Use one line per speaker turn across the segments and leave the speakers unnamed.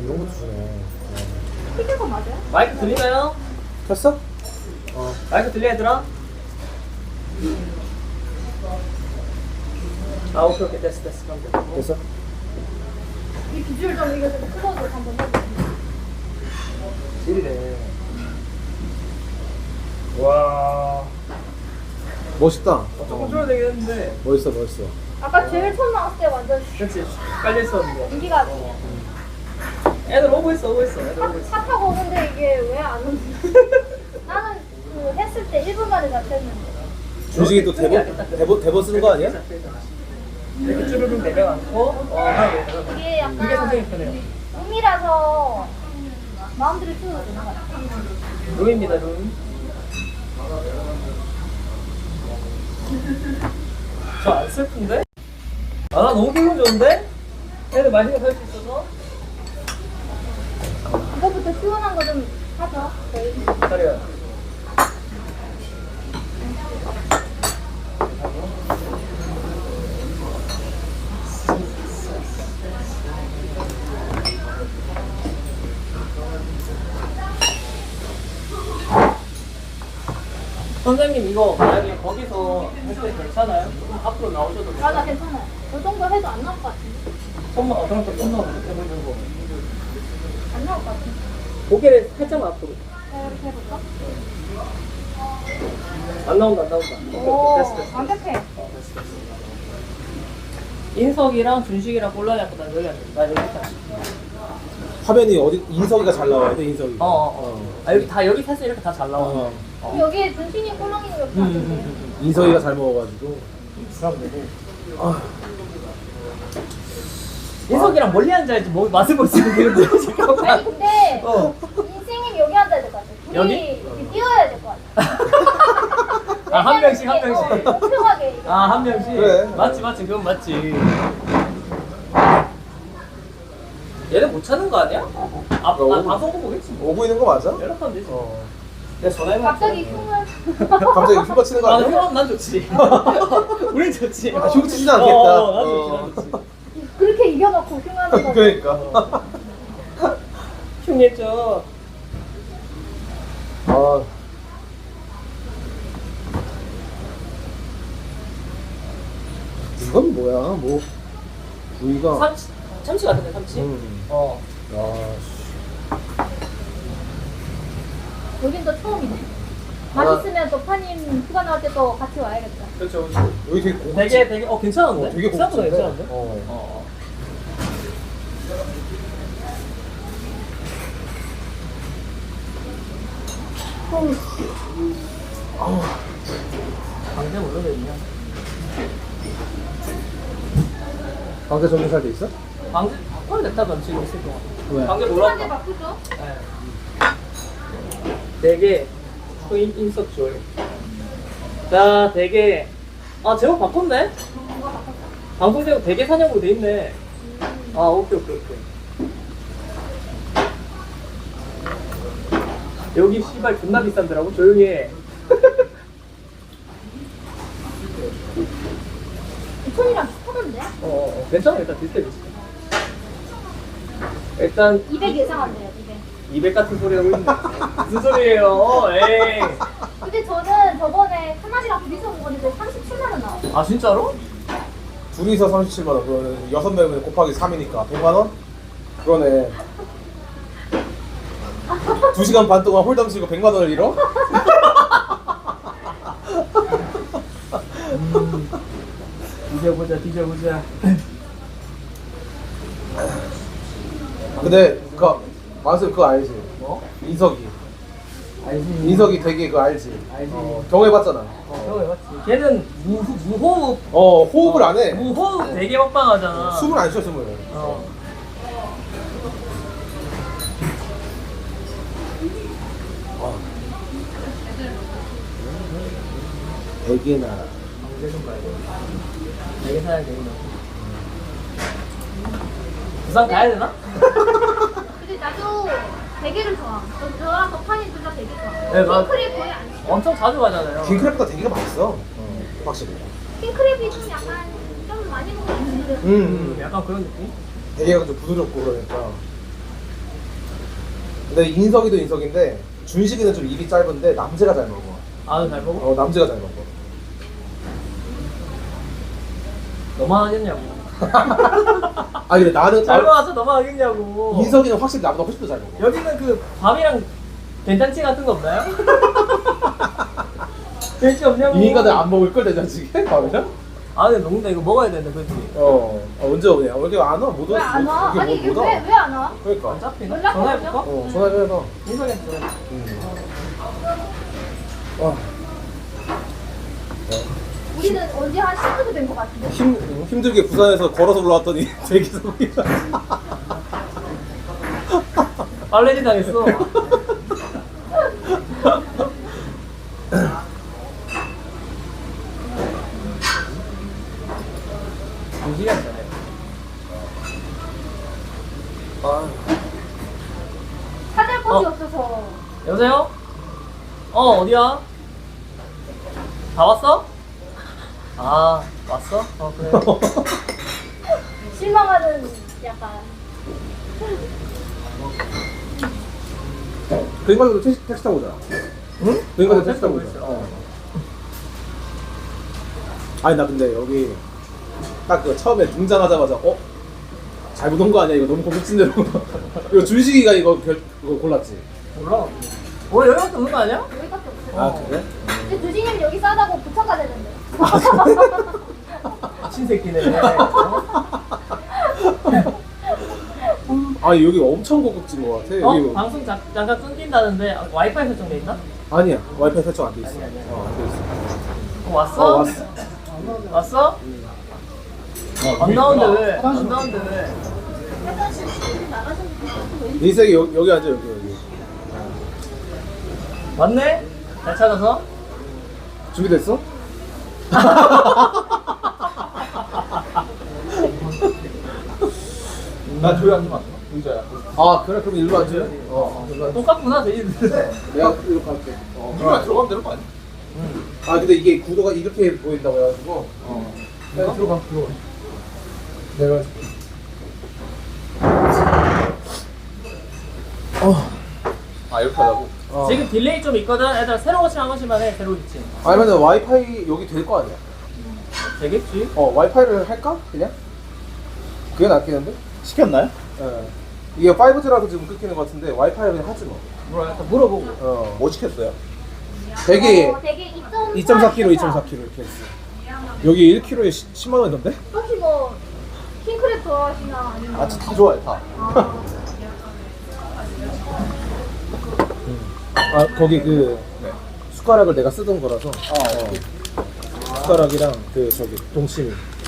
이런 것도 주네.
시킨 거 맞아요?
마이크 들리나요?
켰어?
마이크 들려 얘들아? 아 오케이 오케이 됐어 그럼 돼.
됐어?
이 비주얼 좀 이거 좀 클로즈 한번 해보세요.
질이네. 와.
멋있다.
조금 줄어야 되겠는데.
멋있어, 멋있어.
아까 제일 처음 나왔을 때 완전
그렇지. 깔려있었는데.
인기가
애들 오고 있어. 애들 오고 있어.
차 타고 오는데 이게 왜 안 오지? 나는 그 했을 때 1분 만에 잡혔는데.
준식이 또 대본 쓰는 거 아니야?
이렇게 쭈르륵 내려앉고
이게
그게 선생님
약간
편해요.
룸이라서 마음대로 쓰는 되는 것 같아요.
룸입니다 룸. 저 안 슬픈데? 아 나 너무 기분 좋은데? 애들 맛있게 살 수 있어서.
이거부터 시원한 거 좀 하죠. 저희.
기다려요. 선생님 이거 만약에 거기서 할 때 괜찮아요? 조금 앞으로 나오셔도 돼요?
나 괜찮아요. 이 정도 해도 안 나올 것 같은데.
손만 그럼 또 손만 해보는 거.
안 나올 것 같은데.
고개를 살짝만 앞으로.
이렇게 해볼까?
안 나온다 안 나온다. 오케이,
오,
됐어.
완벽해.
인석이랑 준식이랑 곤란이 갖고 난 여기 앉아. 나 여기 있다.
화면이 어디 인석이가 잘 나와야 돼, 인석이.
아 여기 다 여기 사실 이렇게 다 잘 나와.
그럼 여기에 준신이 꼴랑이는 몇 개 안 되세요?
인석이가 잘 먹어가지고.
그럼 되고. 인석이랑 멀리 앉아야지 뭐 맛을 볼 수 있는 게 잠깐만.
아니 근데 인생님 여기 앉아야 될 것 같아. 둘이
여기?
이렇게 뛰어야 될 것 같아.
아, 한 명씩, 한 명씩.
공평하게.
아 한 명씩.
그래.
맞지 그건 맞지. 얘는 못 찾는 거 아니야? 방송 보고 보겠지.
오고 있는 거 맞아?
연락하면 되지. 내가 전화해봐.
갑자기 흉을.
갑자기 휴가 치는 거
아,
아니야?
그럼 난 좋지. 우린 좋지.
아, 휴가 치진 않겠다.
난 좋지, 난 좋지.
그렇게 이겨놓고 흉하는 거.
그러니까.
흉했죠.
아. 이건 뭐야? 뭐 부위가.
참치 같은데 참치?
야,
여긴 또 처음이네. 맛있으면 또 파님 휴가 나올 때 또 같이 와야겠다.
그렇죠.
여기 되게 고급지.
되게 괜찮은데?
되게
생각보다
고급진데?
괜찮은데? 방제 올려도 있냐?
방대 전문살 돼 있어?
방제 바꿔야 됐다던 지금 있을 동안.
왜?
방제
한대
몰랐다.
바꾸죠?
네. 되게 인석 조이. 자, 되게 제목 바꿨네. 방송 제목 되게 사냥으로 돼 있네. 오케이. 여기 씨발 존나 비싼더라고. 조용히 해.
2천이랑 비슷하던데?
괜찮아. 일단 비슷해. 일단
200 예상한대요, 200.
200 같은 소리 하고 있네. 무슨 소리예요? 에이.
근데 저는 저번에 하나리랑 둘이서 먹었는데 37만 원 나왔어요.
아 진짜로?
둘이서 37만 원. 그러면 6명이면 곱하기 3이니까 100만 원? 그러네. 2시간 반 동안 홀담 치고 100만 원을 잃어?
뒤져보자.
근데 만수 그거 알지?
뭐?
인석이.
알지.
인석이 되게 그거 알지?
알지.
경험해봤잖아.
해봤지. 걔는 무호흡.
호흡을 안 해.
무호흡 되게 막방하잖아.
숨을 안 쉬어, 숨을. 대게 나라.
방제 좀 가야 돼. 되게 사야 되겠네. 부산 가야 되나?
근데 나도 대게를 좋아. 저랑 덕판이 둘 다 되게 좋아.
네, 맞-
킹크랩 거의 안 좋아.
엄청 자주 가잖아요.
킹크랩보다 대게가 맛있어. 확실히.
킹크랩이 좀 약간 좀 많이 먹는 분들은
약간 그런 느낌?
대게가 좀 부드럽고 그러니까. 근데 인석이도 인석인데 준식이는 좀 입이 짧은데 남재가 잘 먹어.
아, 잘 먹어?
남재가 잘 먹어.
너만 하겠냐고.
아니 근데 나는
잘 먹어서 너만 하겠냐고.
인석이는 확실히 나보다 훨씬 더 잘 먹어.
여기는 그 밥이랑 된장찌 같은 거 없나요? 된장찌 없냐고.
이 인간들 안 먹을 걸 된장찌개? 밥이랑?
아, 근데 농구다 이거 먹어야 되는데, 그치?
언제 오냐? 왜 이렇게 안 와? 못 와?
왜 안 와?
이게
아니 이게
못 와?
왜 안 와?
그러니까.
안 잡히나?
연락
전화해볼까?
전화해봐.
인석이한테 전화해.
우리는 언제 한 10분 된 것 같은데?
힘들게 부산에서 걸어서 올라왔더니 대기석이야.
빨래지 당했어. 무시간 전에.
찾을 곳이 없어서.
여보세요? 어디야? 다 왔어? 아, 왔어? 그래.
실망하는 약간.
그 인간들도 택시 타고 오잖아.
응?
그 인간들 택시 타고
택시
오잖아.
타고
아니 나 근데 여기 딱 그 처음에 등장하자마자 잘못 온 거 아니야? 이거 너무 고급진대로. 이거 준식이가 이거 골랐지.
몰라. 원래 여기밖에 없는 거 아니야?
여기밖에 없어.
아 그래?
근데 두진이는 여기 싸다고 부천 가자는데.
친새끼네.
아니 여기 엄청 고급진 거 같아. 여기
방송 잠깐 끊긴다는데 와이파이 설정돼 있나?
아니야 와이파이 설정 안 돼 있어.
아니야.
안 돼 있어.
왔어?
왔어.
왔어? 안 나오는데 왜? 안 나오는데 왜?
인석이 여기 앉아 여기.
왔네? 잘 찾아서?
준비됐어?
나 조용히 앉지 마. 의자야.
아 그래 그럼 일로 앉아. 일로 앉아.
똑같구나 돼지들.
내가 일로 갈게.
누가 들어가면 되는 거 아니야?
아 근데 이게 구도가 이렇게 보인다고 해가지고. 내가 들어가. 내가.
아 이렇게 하자고?
지금 딜레이 좀 있거든. 애들 새로 고침 한 번씩만 해. 새로 고침.
아니 근데 와이파이 여기 될 거 아니야?
되겠지?
와이파이를 할까? 그냥? 그게 낫겠는데?
시켰나요?
예. 이게 5G라서 지금 끊기는 것 같은데 와이파이를 그냥 하지 뭐.
뭐라 일단 물어보고.
뭐 시켰어요?
되게
되게
2.4kg, 2.4kg 이렇게 했어. 여기 1kg에 10만 원이던데?
혹시 뭐 킹크랩 좋아하시나 아니면
아 진짜 다 좋아해 다.
아 거기 그
네.
숟가락을 내가 쓰던 거라서 숟가락이랑 그 저기 동치미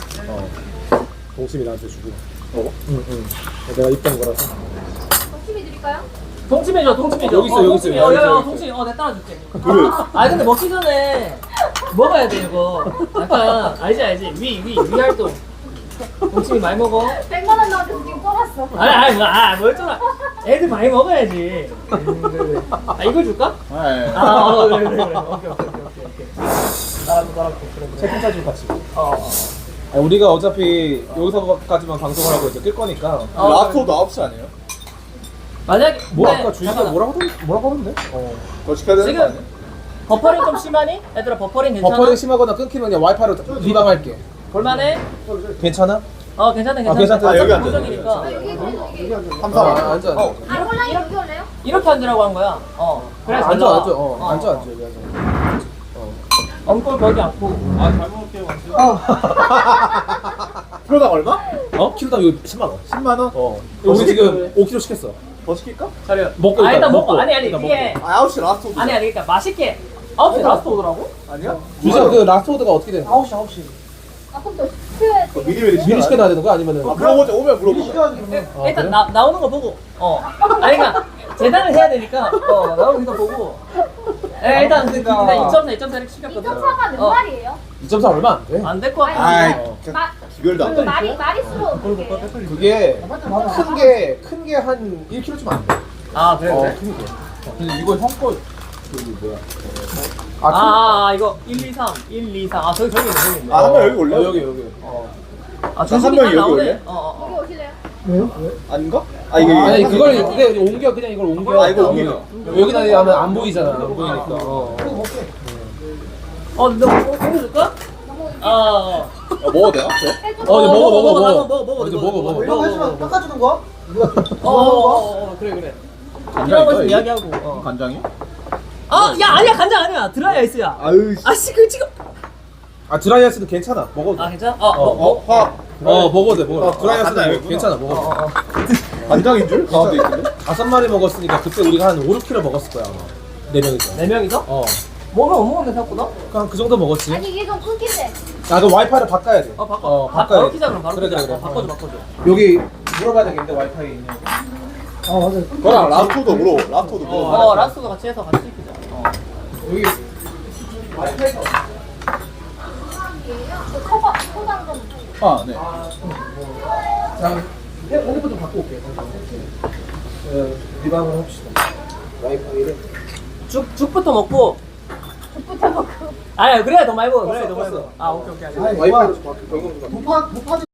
동치미 나한테 주고 응응 내가 입던 거라서
점심이 드릴까요?
동치미 줘, 동치미 줘.
여기 있어, 여기 있어,
동치미.
여기 있어, 여기
동치미. 내가 따라줄게.
그래.
아 근데 먹기 전에 먹어야 돼 이거. 약간 알지 위 활동. 동치미 많이 먹어.
100만 원 나한테 지금 뽑았어.
뭘 좀. 애들 많이 먹어야지. 그래. 아 이거 줄까?
네.
그래. 오케이. 따라줘. 그래.
채팅창 같이
어.
아니, 우리가 어차피 여기서까지만 방송을 하고 이제 끌 거니까
라스트 9시 아니에요?
만약에
뭐
근데
아까 주희가
잠깐만.
뭐라고 하던데?
더 시켜야 되는 거
지금
아니에요?
버퍼링 좀 심하니? 얘들아 버퍼링 괜찮아?
버퍼링 심하거나 끊기면 그냥 와이파이로 리방할게.
볼만해?
괜찮아?
괜찮다.
괜찮다.
아, 여기 앉아.
고정이니까.
여기 그래도 여기.
3, 4.
앉아.
아 홀라인 여기 올래요?
이렇게 앉으라고 한 거야. 그래 잘
앉아
나와.
앉아 여기 앉아.
엉골 거기 앉고.
잘 먹을게요. 키로당 얼마?
키로당 이거 10만 원.
10만 원?
우리 지금 5kg 시켰어.
더 시킬까?
차려.
먹고
일단
일단
먹고.
먹고.
아니
일단
이게
아 9시 라스트 오드.
아니 그러니까 맛있게. 9시 라스트 오더라고?
아니야?
주희가 그 라스트 오더가 어떻게 되는 거야?
9시.
아 그럼 또 시켜야 돼.
미리
미리 시켜놔야 되는 거야? 아니면은
물어보자. 오면 물어보자.
일단 나오는 거 보고. 아니 그러니까 재단을 해야 되니까 나오는 거 보고. 일단 2.4 이렇게 시켰거든.
2.4가 몇 마리예요?
2.4 얼마 안 돼.
안 될 거 같아.
아이
마-
기별도 안 돼.
마리수로 그게.
그게 큰 게 한 1kg쯤 안 돼.
그래.
큰 게.
근데 이거 형거 저기 뭐야?
이거 1, 2, 3. 1, 2, 3. 저기 있네.
아 한 명 여기 올래?
여기.
한
준식이
명이 여기
나오네.
올래?
여기 오실래요?
아닌가? 아 이게
아니 그걸 그냥 옮겨 그냥 이걸 옮겨.
아, 이거 옮겨.
여기다 하면 안 보이잖아. 안 보이니까.
너 먹어줄까?
먹어도 돼요? 저?
해줘.
먹어.
이제 먹어.
이거 해주면 깎아주는 거야?
그래.
간장이
이런 거
있어요, 이게?
이야기하고.
간장이요?
야 아니야 간장 아니야 드라이 아이스야.
아유
아씨 그 지금.
아 드라이아이스도 괜찮아. 먹어도 돼.
괜찮아?
화
먹어도 돼. 먹어도 돼.
드라이아이스는
간장
알겠구나.
괜찮아. 먹어도 돼.
간장인 줄? 가운데 있던데?
5마리 먹었으니까 그때 우리가 한 5, 6kg 먹었을 거야 아마. 4명이서.
4명이서?
뭐가
못 먹었네 생각보다.
그냥 그 정도 먹었지.
아니 이게 좀 끊긴데.
아 그럼 와이파이를 바꿔야 돼.
바꿔.
바꿔야
바로
돼.
키자 그럼 바로
그래,
키자.
그래.
바꿔줘.
여기 물어봐야 되겠는데 와이파이 있냐고.
맞아요.
그거랑 라토도 물어 라토도 물어
라스도 같이 해서 같이 키자.
여기 와이파이가
그 초당 좀.
아 네.
자, 핸드폰 좀 갖고 올게. 리방을 합시다. 와이파이를.
죽부터 먹고.
죽부터 먹고.
아니야 그래야 더 많이 먹어. 그래야 더 많이 먹어. 오케이.
와이파이를 좀 바꿔.
무파